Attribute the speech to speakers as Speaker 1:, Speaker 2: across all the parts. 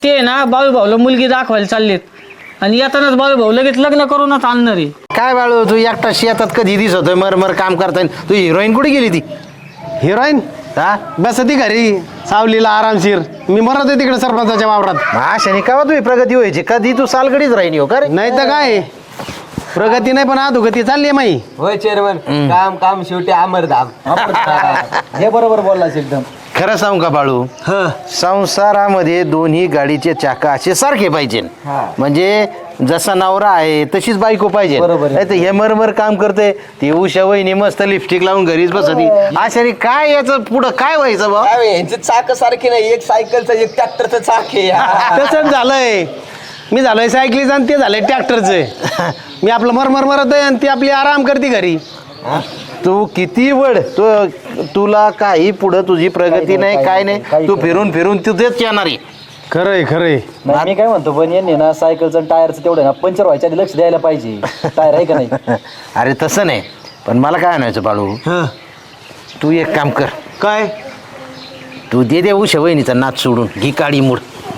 Speaker 1: ते ना बाळू भाऊला मुलगी दाखवायला चाललेत आणि येतानाच बाळू भाऊ लगेच लग्न करूनच आणणार आहे.
Speaker 2: काय बाळू तू एकटा शेतात कधी दिसतोय मर काम करताय. तू हिरोईन कुठे गेली ती?
Speaker 3: हिरोईन
Speaker 2: हा
Speaker 3: बस ती घरी सावलीला आरामशीर. मी मरत आहे तिकडे सरपंचाच्या वावरात.
Speaker 2: अशाने का तुम्ही प्रगती व्हायची? कधी तू सालगडीच राहिनी हो का रे?
Speaker 3: नाही तर काय प्रगती नाही पण अधोगती चालली आहे माई.
Speaker 4: होय चेअरमन, काम काम शेवटी अमरधाम. हे बरोबर बोललास एकदम.
Speaker 2: खरं सांगू का बाळू, संसारामध्ये दोन्ही गाडीचे चाका असे सारखे पाहिजे. म्हणजे जसा नवरा आहे तशीच बायको पाहिजे.
Speaker 4: बरोबर.
Speaker 2: नाही तर हे मरमर काम करते ती उषा वहिनी मस्त लिपस्टिक लावून घरीच बसती. अशाने काय याचं पुढं काय व्हायचं बा?
Speaker 4: यांचे चाक सारखे नाही, एक सायकलचं एक ट्रॅक्टरचं चाक आहे.
Speaker 3: तसंच झालंय. मी झालोय सायकलीचं आणि ते झालंय ट्रॅक्टरचं. मी आपलं मरमर मरत आहे आणि ती आपली आराम करते घरी.
Speaker 2: तू किती वड तुला काही पुढं तुझी प्रगती नाही काय नाही. तू फिरून फिरून तिथेच येणार आहे.
Speaker 3: खरंय खरंय.
Speaker 5: नाही मी काय म्हणतो पण यांनी ना सायकलचं टायरचं तेवढं ना पंक्चर व्हायच्या आधी लक्ष द्यायला पाहिजे. टायर आहे का नाही?
Speaker 2: अरे तसं नाही, पण मला काय म्हणायचं बाळू, तू एक काम कर.
Speaker 3: काय
Speaker 2: तू दे उषा वहिनीचा नाच सोडून घी काळी मूड.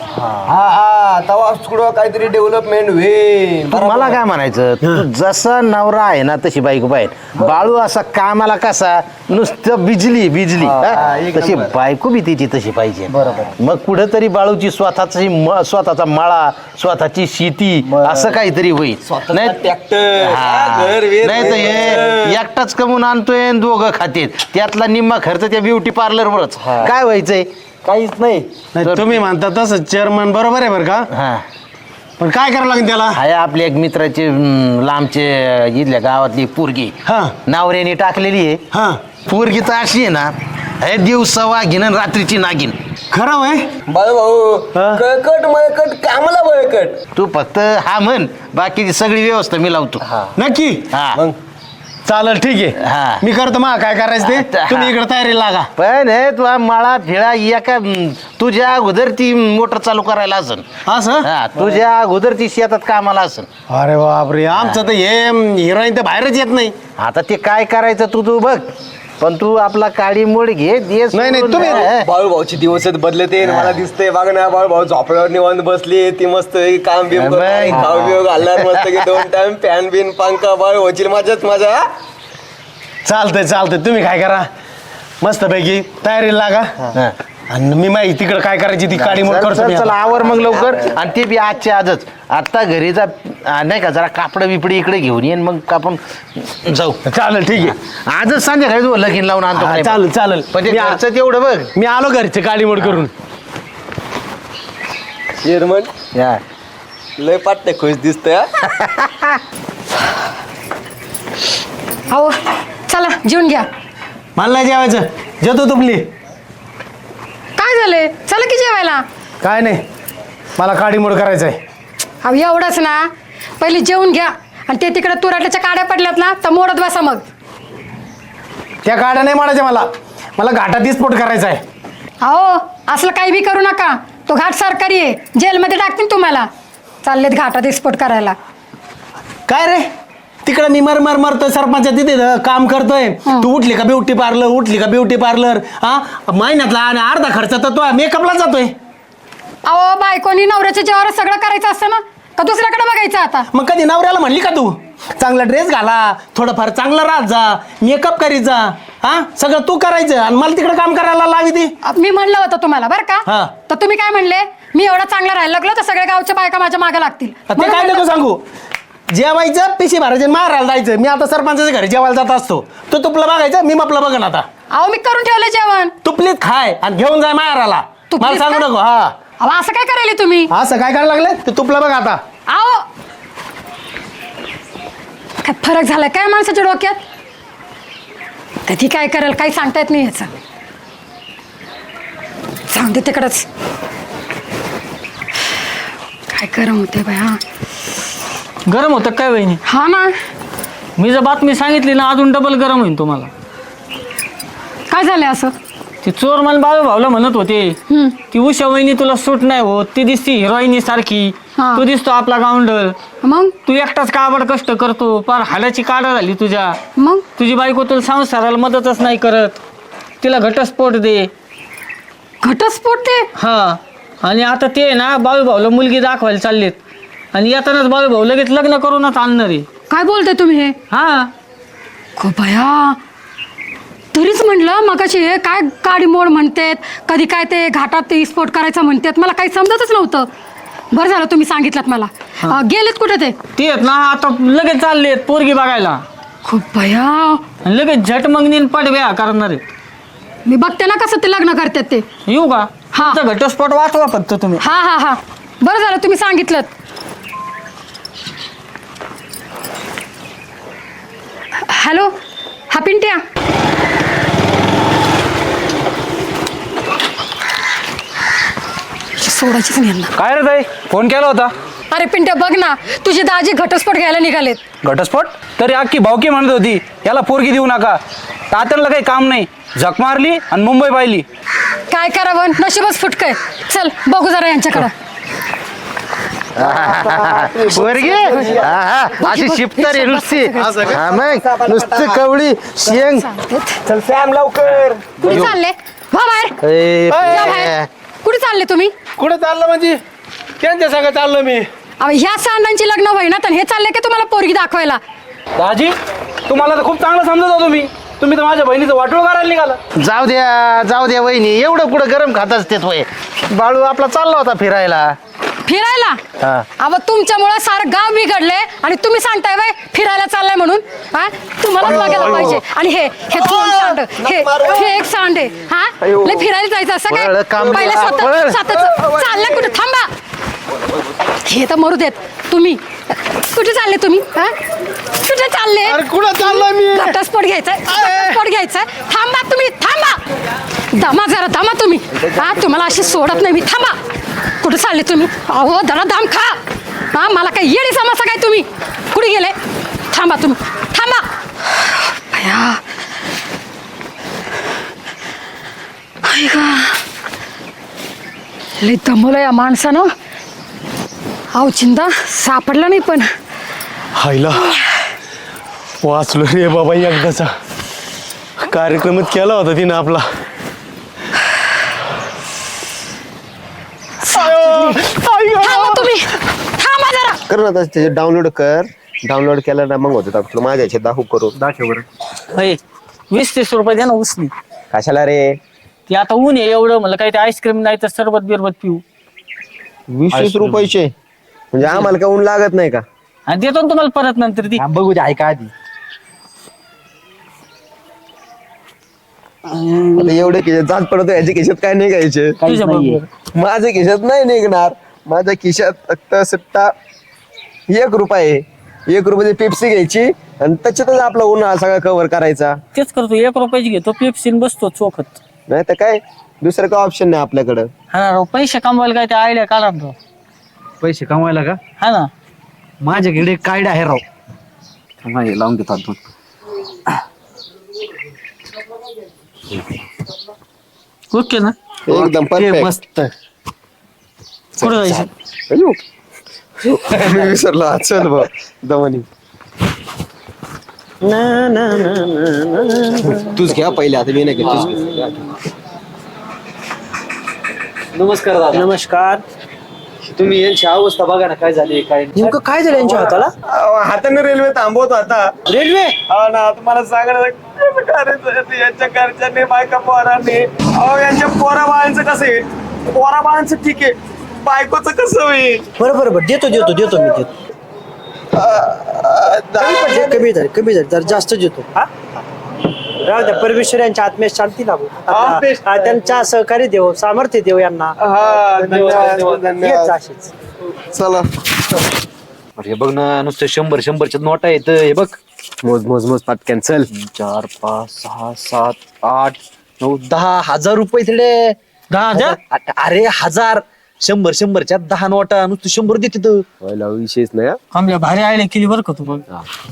Speaker 4: हा तवा कुठं काहीतरी डेव्हलपमेंट होईल.
Speaker 2: मला काय म्हणायचं, तू जसा नवरा आहे ना तशी बायको पाहिजे. बाळू असा कामाला कसा नुसतं बिजली हा? तशी बायको बी तिची तशी पाहिजे. मग कुठेतरी बाळूची स्वतःचा मळा, स्वतःची शेती असं काहीतरी होईल. नाही
Speaker 4: ट्रॅक्टर
Speaker 2: नाही तर हे एकटाच कमवून आणतोय आणि दोघं खातेत. त्यातला निम्मा खर्च त्या ब्युटी पार्लरवरच. काय व्हायचंय?
Speaker 5: काहीच नाही.
Speaker 3: नाही तुम्ही म्हणता तसं चेअरमन बरोबर आहे बरं का.
Speaker 2: हा
Speaker 3: पण काय करावं लागेल त्याला?
Speaker 2: आहे आपल्या एक मित्राची लांबचे इथल्या गावातली पोरगी
Speaker 3: हा
Speaker 2: नावऱ्याने टाकलेली आहे.
Speaker 3: हा
Speaker 2: पोरगी तर अशी आहे ना, हे दिवसा वाघीन आणि रात्रीची नागिन.
Speaker 3: खरं वय.
Speaker 4: बाळू भाऊ कळकट मळकट कामला बळकट.
Speaker 2: तू फक्त हा म्हण, बाकीची सगळी व्यवस्था मी लावतो.
Speaker 3: नक्की
Speaker 2: हा
Speaker 3: चालेल ठीक
Speaker 2: हा.
Speaker 3: आहे. मी करतो मग काय करायचं ते.
Speaker 2: आता,
Speaker 3: तुम्ही
Speaker 2: हा.
Speaker 3: इकडे तयारी लागा.
Speaker 2: पण हे तू मळा फिळा एका तुझ्या अगोदर ती मोटर चालू करायला असन.
Speaker 3: असं
Speaker 2: हा तुझ्या अगोदर ती शेतात कामाला असन.
Speaker 3: अरे बापरे आमचं तर हे हिरोईन तर बाहेरच येत नाही.
Speaker 2: आता ते काय करायचं तू बघ. पण तू आपला काळी मोड घे देस.
Speaker 3: नाही, तुम्ही-
Speaker 4: बाळू भाऊची दिवसच बदलते. मला दिसतंय बघ ना, बाळू भाऊ झोपड्यावर निवांत बसली. ती मस्त काम बिम
Speaker 2: बाई.
Speaker 4: खाऊ बिव घालणार मस्त की 2 टाइम फॅन बिन पंखा. बाळू भाऊची मजाच मजा.
Speaker 3: चालतंय तुम्ही काय करा मस्त पैकी तयारी लागा. आणि मी माहिती तिकडे काय करायची ती काळी मोड करतो मी.
Speaker 2: चला आवर मग लवकर. आणि ते बी आजच्या आजच. आता घरी जा नाही का, जरा कापड बिपडी इकडे घेऊन येईन मग आपण जाऊ.
Speaker 3: चालेल ठीक आहे.
Speaker 2: आजच संध्याकाळी तू लगीन लावून आणतो.
Speaker 3: हा,
Speaker 2: काय
Speaker 3: चालेल
Speaker 2: पण ते
Speaker 3: मी आ-
Speaker 2: घरचं तेवढं बघ.
Speaker 3: मी आलो घरचे काळी मोड करून.
Speaker 4: चेअरमन
Speaker 2: या.
Speaker 4: लय पाट्टे खुश दिसतंय.
Speaker 6: अहो चला जेवून घ्या.
Speaker 3: मला नाही जेवायचं. जेवतो तुपली.
Speaker 6: काय झालंय? चला की जेवायला.
Speaker 3: काय नाही मला काळी मोड करायचं आहे.
Speaker 6: अहो एवढंच ना, पहिले जेवून घ्या आणि ते तिकडे तुराट्याच्या काड्या पडल्यात ना तर मोडत बसा. मग
Speaker 3: त्या काड्या नाही मारायच्या मला घाटात स्फोट करायचा आहे.
Speaker 6: अहो असलं काही बी करू नका. तो घाट सरकारी आहे, जेलमध्ये टाकतील तुम्हाला. चाललेत घाटात स्फोट करायला.
Speaker 3: काय रे तिकडे मी मरतोय सरपंच तिथे काम करतोय. तू उठली का ब्युटी पार्लर हा महिन्यातला आणि अर्धा खर्च तर तो मेकअपला जातोय.
Speaker 6: अहो बायकोनी नवऱ्याच्या जेवावर सगळं करायचं असतं ना, का दुसऱ्याकडे बघायचं आता?
Speaker 3: मग कधी नवऱ्याला म्हणली का तू चांगला ड्रेस घाला, थोडंफार चांगला राहत जा, मेकअप करीत जा, हा सगळं तू करायचं आणि मला तिकडे काम करायला लावी ती.
Speaker 6: मी म्हणलं होतं तुम्हाला बरं
Speaker 3: हा.
Speaker 6: का, तर तुम्ही काय म्हणले? मी एवढा चांगला राहायला लागलो तर सगळ्या गावच्या बायका माझ्या मागे लागतील.
Speaker 3: ते
Speaker 6: म्हणून
Speaker 3: काय
Speaker 6: म्हणलं
Speaker 3: नको सांगू. जेवायचं पिशी भरायचं मारायला जायचं. मी आता सरपंचाच्या घरी जेवायला जात असतो. तो तुपलं बघायचं, मी आपलं बघन आता.
Speaker 6: अहो मी करून ठेवलं जेवण.
Speaker 3: तुपलीत खाय आणि घेऊन जाय मारायला.
Speaker 6: तुपलीत
Speaker 3: मला सांगू
Speaker 6: खा?
Speaker 3: नको. हा
Speaker 6: अहो असं काय करायला तुम्ही?
Speaker 3: असं काय करायला लागलं ते तुपलं बघ आता.
Speaker 6: अहो काय फरक झालाय काय माणसाच्या डोक्यात? कधी काय करेल काही सांगता येत नाही याचं. जाऊन दे तिकडच. काय गरम होते बाय. हा
Speaker 1: गरम होतं काय वहिनी?
Speaker 6: हा ना.
Speaker 1: मी जर बातमी सांगितली ना अजून डबल गरम होईल तुम्हाला.
Speaker 6: काय झालंय असं?
Speaker 1: ती चोर मला बाळू भाऊला म्हणत होते ती उषा वहिनी तुला सूट नाही होत, ती दिसती हिरोईनी सारखी,
Speaker 6: हा.
Speaker 1: तू दिसतो आपला गावंडल,
Speaker 6: मग
Speaker 1: तू एकटाच काबड कष्ट करतो, फार हाडाची काढा झाली तुझ्या.
Speaker 6: मग
Speaker 1: तुझी बायको तुला संसाराला मदतच नाही करत, तिला घटस्फोट दे.
Speaker 6: घटस्फोट ते?
Speaker 1: हा आणि आता ते ना बाळू भाऊला मुलगी दाखवायला चाललेत आणि येतानाच बाळू भाऊ लगेच लग्न करूनच आणणार आहे.
Speaker 6: काय बोलताय तुम्ही हे?
Speaker 1: हा
Speaker 6: खूप भया, तरीच म्हणलं मगाशी हे काय गाडी मोड म्हणतात, कधी काय ते घाटात ते स्पोर्ट करायचं म्हणतात, मला काही समजतच नव्हतं. बरं झालं तुम्ही सांगितलं मला. गेलेत कुठे ते?
Speaker 1: ते आहेत ना आता लगेच चाललेत पोरगी बघायला
Speaker 6: खूप भया,
Speaker 1: आणि लगेच झट मंगनीन पडव्या करणार आहेत.
Speaker 6: मी बघते ना कसं ते लग्न करतात ते.
Speaker 1: येऊ का?
Speaker 6: हा.
Speaker 1: तुमचा घटस्फोट वाचवा फक्त तुम्ही.
Speaker 6: हा हा हा, बरं झालं तुम्ही सांगितलं. हॅलो, हा पिंट्या. सोडायचीच नाही यांना.
Speaker 5: काय रे ताई, फोन केला होता?
Speaker 6: अरे पिंट्या बघ ना, तुझे दाजी घटस्फोट घ्यायला निघालेत.
Speaker 5: घटस्फोट? तरी अख्खी भावकी म्हणत होती याला पोरगी देऊ नका. तात्याला काही काम नाही, झक मारली आणि मुंबई पाहिली.
Speaker 6: काय करावं, नशीबच फुटकय. चल बघू जरा यांच्याकडं.
Speaker 2: पोरगी अशी शिपतार आहे नुसती. हा मग नुसती कवळी शेंग.
Speaker 4: चल सॅम लवकर.
Speaker 6: कुठे चालले? वा बाहेर.
Speaker 2: ए,
Speaker 6: या बाहेर. कुठे चालले तुम्ही?
Speaker 3: कुठं चाललं म्हणजे? त्यांच्या संग चाललो मी.
Speaker 6: अहो, ह्या सांडांची लग्न होईना तर हे चालले की तुम्हाला पोरगी दाखवायला?
Speaker 5: दाजी, तुम्हाला तर खूप चांगलं समजत होतो मी. तुम्ही तर माझ्या बहिणीचं वाटोळ करायला निघाला.
Speaker 2: जाऊ द्या वहिनी, एवढं कुठं गरम खात असते वय. बाळू आपला चालला होता फिरायला.
Speaker 6: फिरायला?
Speaker 2: हा.
Speaker 6: अहो तुमच्यामुळे सारं गाव बिघडले आणि तुम्ही सांगताय वय फिरायला चाललाय म्हणून. हा, तुम्हालाच बघायला पाहिजे. आणि हे दोन सांड, हे एक सांड आहे. हा, लय फिरायला जायचं असं
Speaker 2: पळ,
Speaker 6: काय?
Speaker 2: काम
Speaker 6: पहिले
Speaker 2: करा, पळ.
Speaker 6: स्वतः चाललंय कुठे? थांबा. हे तर मरू देत. तुम्ही कुठे चालले तुम्ही? हा, कुठे चालले?
Speaker 3: अरे कुठं चाललोय मी?
Speaker 6: घटस्फोट घ्यायचा. थांबा तुम्ही, थांबा. दमा जरा दमा तुम्ही. हा, तुम्हाला अशी सोडत नाही मी. थांबा. कुठे चालले तुम्ही? अहो जरा दाम खा. हा, मला काय येडी समजता काय तुम्ही? कुठे गेले? थांबा तुम्ही, थांबा. भया, लय दमलं या माणसानं. अहो चिंता सापडला नाही पण.
Speaker 3: हायला वाचलो रे बाबा एकदाचा. कार्यक्रमच केला होता तिनं आपला.
Speaker 6: थांबा तुम्ही, थांबा जरा.
Speaker 4: कर ना त्याचे डाउनलोड कर. डाउनलोड केलं ना मग होतं आपलं. माझ्या याच्यात दाखवू करू.
Speaker 1: होय 20-30 रुपये द्या ना उसनी.
Speaker 4: कशाला रे?
Speaker 1: ते आता ऊन आहे एवढं, मला काही ते आईस्क्रीम नाही तर सरबत बिरबत पिऊ.
Speaker 4: 20 रुपयाचे म्हणजे आम्हाला का ऊन लागत नाही का?
Speaker 1: आणि देतो ना तुम्हाला परत नंतर ती.
Speaker 5: बघू दे, ऐका आधी.
Speaker 4: आता एवढे खिशात जात पडतो. याच्या खिशात काय नाही घ्यायचे.
Speaker 1: तुझ्या बरोबर.
Speaker 4: माझ्या खिशात नाही निघणार. माझ्या खिशात फक्त सट्टा 1 रुपया आहे. 1 रुपयाची पेप्सी घ्यायची आणि त्याच्यातच आपला उन्हाळा सगळा कव्हर करायचा.
Speaker 1: तेच करतो, 1 रुपयाची घेतो पेप्सीन बसतो चोखत.
Speaker 4: नाही तर काय, दुसरं काय ऑप्शन नाही आपल्याकडं.
Speaker 1: हा ना राव, पैसे कमवायला काय ते आयडिया काढा ना राव.
Speaker 5: पैसे कमवायला का?
Speaker 1: हा ना.
Speaker 5: माझ्याकडे एक आयडिया आहे राव. थांबा, लावून देतो हातून.
Speaker 1: ओके ना.
Speaker 4: एकदम परफेक्ट.
Speaker 5: मस्त.
Speaker 1: कुठं जायचं?
Speaker 4: अयो. मी विसरलो. चल भाऊ दमनी. तूच घ्या पहिले. आता मी नाही घेत. तूच घे.
Speaker 5: नमस्कार दादा.
Speaker 3: नमस्कार.
Speaker 5: तुम्ही यांची अवस्था बघा ना, काय झाली काय.
Speaker 3: नेमकं काय झालं यांच्या हाताला?
Speaker 4: हाताने रेल्वे थांबवतो आता.
Speaker 3: रेल्वे?
Speaker 4: हा ना, तुम्हाला सांगणार कसं करायचं यांच्या घरच्यांनी बायका पोरांनी. अहो यांच्या पोरा बाळांचं कसं आहे? पोरा बाळांचं ठीक आहे, बायकोचं कसं होईल?
Speaker 3: बरोबर देतो मी देतो. कमी झाले जर जास्त देतो. राहू द्या, परमेश्वर यांच्या आत्म्यास शांती लाभो. त्यांच्या सहकार्य देव, सामर्थ्य देव यांना. येत जा अशीच.
Speaker 4: चला
Speaker 5: हे बघ ना, नुसतं 100-100च्या नोटा येत. हे बघ,
Speaker 4: मोज पाटक्यान. चल
Speaker 5: 4, 5, 6, 7, 8, 9, 10,000 रुपये तिकडे.
Speaker 1: 10,000?
Speaker 5: अरे 1000. 100-100च्या 10 नोटा नुसतं 100 देते तू.
Speaker 4: पहिला विषयच नाही हा.
Speaker 1: आमच्या भारी आयडिया केली बरं का तू. बघ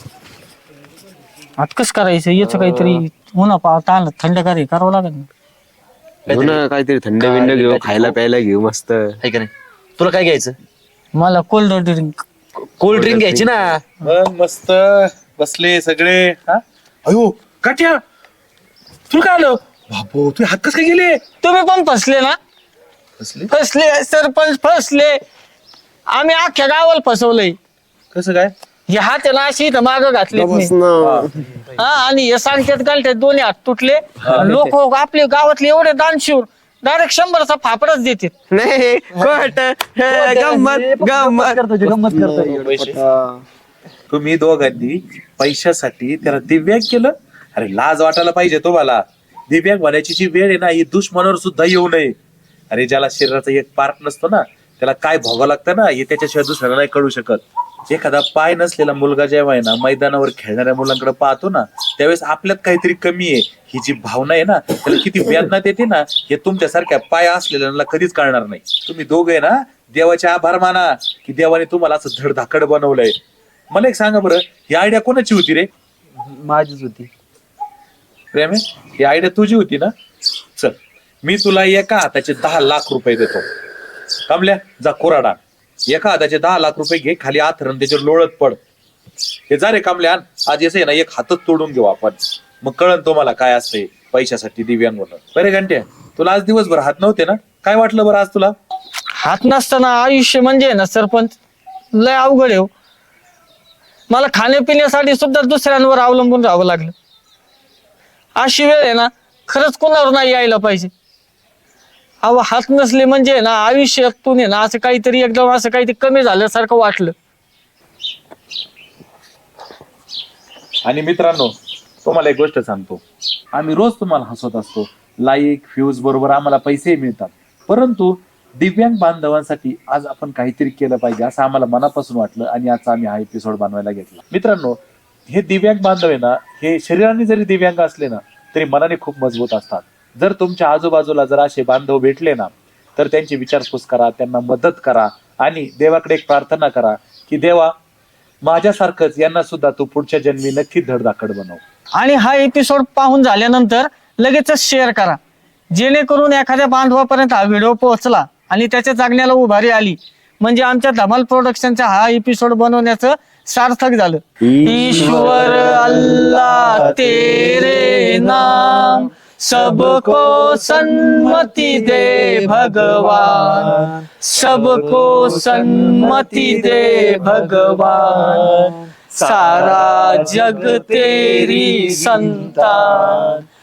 Speaker 1: आता कसं करायचं याचं काहीतरी. उन्हा पावता आलं थंड करावं लागेल ना.
Speaker 4: घेऊ ना काहीतरी थंड बिंड घेऊ, खायला प्यायला घेऊ मस्त.
Speaker 5: आहे का नाही? तुला काय घ्यायचं?
Speaker 1: मला कोल्ड ड्रिंक.
Speaker 5: कोल्ड ड्रिंक घ्यायची ना.
Speaker 7: मस्त बसले सगळे. अयो काट्या, तुला काय आलं? बाबू तुझे हात कस काय गेले?
Speaker 1: तुम्ही पण फसले ना. फसले सरपंच फसले. आम्ही अख्ख्या गावाला फसवलंय.
Speaker 7: कसं काय?
Speaker 1: हे हात आहे ना अशी इथं मागं घातले हा आणि हे सांगतात घालतात दोन्ही हात तुटले. लोक आपले गावातले एवढे दानशूर डायरेक्ट 100चा फापडच देतात.
Speaker 4: नाही खोट गंमत गंमत.
Speaker 7: तुम्ही दोघांनी पैशासाठी त्याला दिव्यांग केलं. अरे लाज वाटायला पाहिजे तुम्हाला. दिव्यांग होण्याची जी वेळ आहे ना ही दुश्मनावर सुद्धा येऊ नये. अरे ज्याला शरीराचा एक पार्ट नसतो ना त्याला काय भोगावं लागतं ना हे त्याच्याशिवाय दुसऱ्याला नाही कळू शकत. एखादा पाय नसलेला मुलगा जेव्हा आहे ना मैदानावर खेळणाऱ्या मुलांकडे पाहतो ना त्यावेळेस आपल्यात काहीतरी कमी आहे ही जी भावना आहे ना त्याला किती वेदना देते ना हे तुमच्यासारख्या पाय असलेल्यांना कधीच कळणार नाही. तुम्ही दोघे ना देवाचे आभार माना की देवाने तुम्हाला असं धडधाकड बनवलंय. मला एक सांगा बरं ही आयडिया कोणाची होती रे?
Speaker 5: माझीच होती.
Speaker 7: प्रेमे ही आयडिया तुझी होती ना? चल मी तुला एका हाताचे 10 लाख रुपये देतो. कमल्या जा कोराडा एका हाताचे 10 लाख रुपये घे खाली आथरण त्याच्यावर लोळत पड. हे जा रे कमल्या आज येस आहे ना एक हातच तोडून घेऊ आपण. मग कळन तुम्हाला काय असते पैशासाठी दिव्यांग होणं. बरे घंटे तुला आज दिवसभर हात नव्हते ना काय वाटलं बरं आज तुला?
Speaker 1: हात नसताना आयुष्य म्हणजे ना सरपंच लय अवघड आहे हो. मला खाण्यापिण्यासाठी सुद्धा दुसऱ्यांवर अवलंबून राहावं लागलं. अशी वेळ आहे ना खरंच कोणावर नाही यायला पाहिजे. अहो हात नसले म्हणजे ना आयुष्यातून आहे ना असं काहीतरी एकदम असं काहीतरी कमी झाल्यासारखं वाटलं.
Speaker 7: आणि मित्रांनो तुम्हाला एक गोष्ट सांगतो आम्ही रोज तुम्हाला हसवत असतो. लाईक व्ह्यूज बरोबर आम्हाला पैसेही मिळतात. परंतु दिव्यांग बांधवांसाठी आज आपण काहीतरी केलं पाहिजे असं आम्हाला मनापासून वाटलं आणि आजचा आम्ही हा एपिसोड बनवायला घेतला. मित्रांनो हे दिव्यांग बांधव आहे ना हे शरीराने जरी दिव्यांग असले ना तरी मनाने खूप मजबूत असतात. जर तुमच्या आजूबाजूला जर असे बांधव भेटले ना तर त्यांची विचारपूस करा त्यांना मदत करा आणि देवाकडे एक प्रार्थना करा की देवा माझ्यासारखंच यांना सुद्धा तू पुढच्या जन्मी नक्की धडधाकड बनव.
Speaker 1: आणि हा एपिसोड पाहून झाल्यानंतर लगेचच शेअर करा जेणेकरून एखाद्या बांधवापर्यंत हा व्हिडिओ पोहोचला आणि त्याच्या जागण्याला उभारी आली म्हणजे आमच्या धमाल प्रोडक्शनचा हा एपिसोड बनवण्याचं सार्थक झालं. ईश्वर अल्लाह तेरे नाम सबको सन्मति दे भगवान सबको सन्मति दे भगवान सारा जग तेरी संतान